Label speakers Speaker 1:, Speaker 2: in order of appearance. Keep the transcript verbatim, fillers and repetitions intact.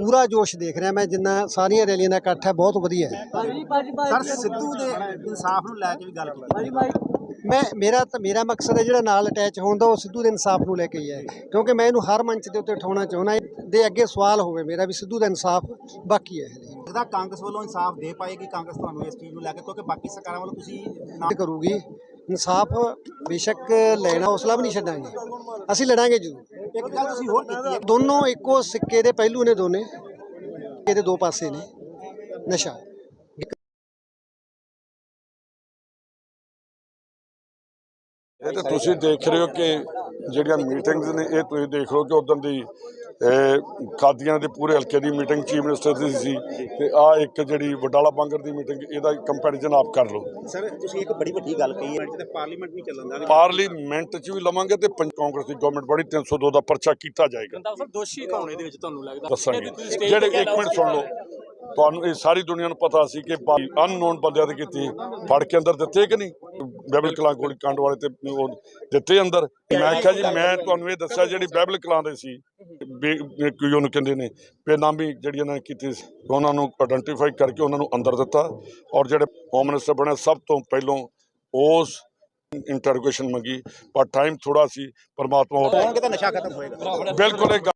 Speaker 1: पूरा जोश देख रहा मैं जिन्ना सारिया रैलियां का इकट्ठ है बहुत वधिया है।
Speaker 2: सर सिद्धू दे इंसाफ नूं लै के भी गल कीती
Speaker 1: मैं मेरा तो मेरा मकसद है जो नाल अटैच होने का, वो सिद्धू के इंसाफ को लैके ही है, क्योंकि मैं इन्हू हर मंच के उत्ते उठाना चाहना दे अगे सवाल होवे मेरा भी सिद्धू का इंसाफ बाकी है।
Speaker 2: लगदा कांग्रेस वालों इंसाफ दे पाएगी कांग्रेस तुहानूं इस चीज़ नूं लैके, क्योंकि बाकी सरकारां वालों तुसीं ना
Speaker 1: करूगी इंसाफ बेशक लेना हौसला भी नहीं छड्डांगे, असीं लड़ांगे जरूर।
Speaker 2: एक गल तुसीं होर कीती है
Speaker 1: दोनों इक्को सिक्के दे पहलू ने, दोने ਇਹਦੇ दो पासे ने नशा।
Speaker 3: ਇਹ ਤਾਂ ਤੁਸੀਂ ਦੇਖ ਰਹੇ ਹੋ ਕਿ ਜਿਹੜੀਆਂ ਮੀਟਿੰਗਸ ਨੇ ਇਹ ਤੁਸੀਂ ਦੇਖ ਲਓ ਕਿ ਉਦੋਂ ਦੀ ਕਾਦੀਆਂ ਦੇ ਪੂਰੇ ਹਲਕੇ ਦੀ ਮੀਟਿੰਗ ਚੀਫ ਮਿਨਿਸਟਰ ਦੀ ਸੀ ਤੇ ਆ ਇੱਕ ਜਿਹੜੀ ਵਡਾਲਾ ਬਾਂਗਰ ਦੀ ਮੀਟਿੰਗ ਇਹਦਾ ਕੰਪੈਰੀਜ਼ਨ ਆਪ ਕਰ ਲਓ।
Speaker 2: ਸਰ ਤੁਸੀਂ ਇੱਕ ਬੜੀ ਵੱਡੀ ਗੱਲ ਕਹੀ ਹੈ ਤੇ ਪਾਰਲੀਮੈਂਟ ਨਹੀਂ ਚੱਲਣ ਦਾ,
Speaker 3: ਪਾਰਲੀਮੈਂਟ 'ਚ ਵੀ ਲਵਾਂਗੇ ਤੇ ਕਾਂਗਰਸ ਦੀ ਗਵਰਨਮੈਂਟ ਬੜੀ ਤਿੰਨ ਸੌ ਦੋ ਦਾ ਪਰਚਾ ਕੀਤਾ ਜਾਏਗਾ।
Speaker 4: ਸਰ ਦੋਸ਼ੀ ਕੌਣ ਇਹਦੇ ਵਿੱਚ ਤੁਹਾਨੂੰ ਲੱਗਦਾ?
Speaker 3: ਦੱਸਾਂਗੇ ਜਿਹੜੇ ਇੱਕ ਮਿੰਟ ਸੁਣ ਲਓ, ਤੁਹਾਨੂੰ ਇਹ ਸਾਰੀ ਦੁਨੀਆ ਨੂੰ ਪਤਾ ਸੀ ਕਿ ਅਨਨੋਨ ਬੰਦਿਆਂ ਤੇ ਕੀਤੀ ਫੜ ਕੇ ਅੰਦਰ ਦਿੱਤੇ ਕਿ ਨਹੀਂ, ਬਾਈਬਲ ਕਲਾਂ ਗੋਲੀ ਕਾਂਡ ਵਾਲੇ ਤੇ ਉਹ ਦਿੱਤੇ ਅੰਦਰ। ਮੈਂ ਕਿਹਾ ਜੀ ਮੈਂ ਤੁਹਾਨੂੰ ਇਹ ਦੱਸਿਆ ਜਿਹੜੀ ਬਾਈਬਲ ਕਲਾਂ ਦੇ ਸੀ ਕੋਈ ਉਹਨੂੰ ਕਹਿੰਦੇ ਨੇ ਬੇਨਾਮੀ ਜਿਹੜੀ ਇਹਨਾਂ ਨੇ ਕੀਤੀ ਸੀ, ਉਹਨਾਂ ਨੂੰ ਆਇਡੈਂਟੀਫਾਈ ਕਰਕੇ ਉਹਨਾਂ ਨੂੰ ਅੰਦਰ ਦਿੱਤਾ। ਔਰ ਜਿਹੜੇ ਹੋਮ ਮਿਨਿਸਟਰ ਬਣੇ ਸਭ ਤੋਂ ਪਹਿਲੋਂ ਉਸ ਇੰਟਰੋਗੇਸ਼ਨ ਮੰਗੀ, ਪਰ ਟਾਈਮ ਥੋੜਾ ਸੀ। ਪਰਮਾਤਮਾ
Speaker 2: ਨਸ਼ਾ ਖਤਮ ਹੋਏਗਾ
Speaker 3: ਬਿਲਕੁਲ।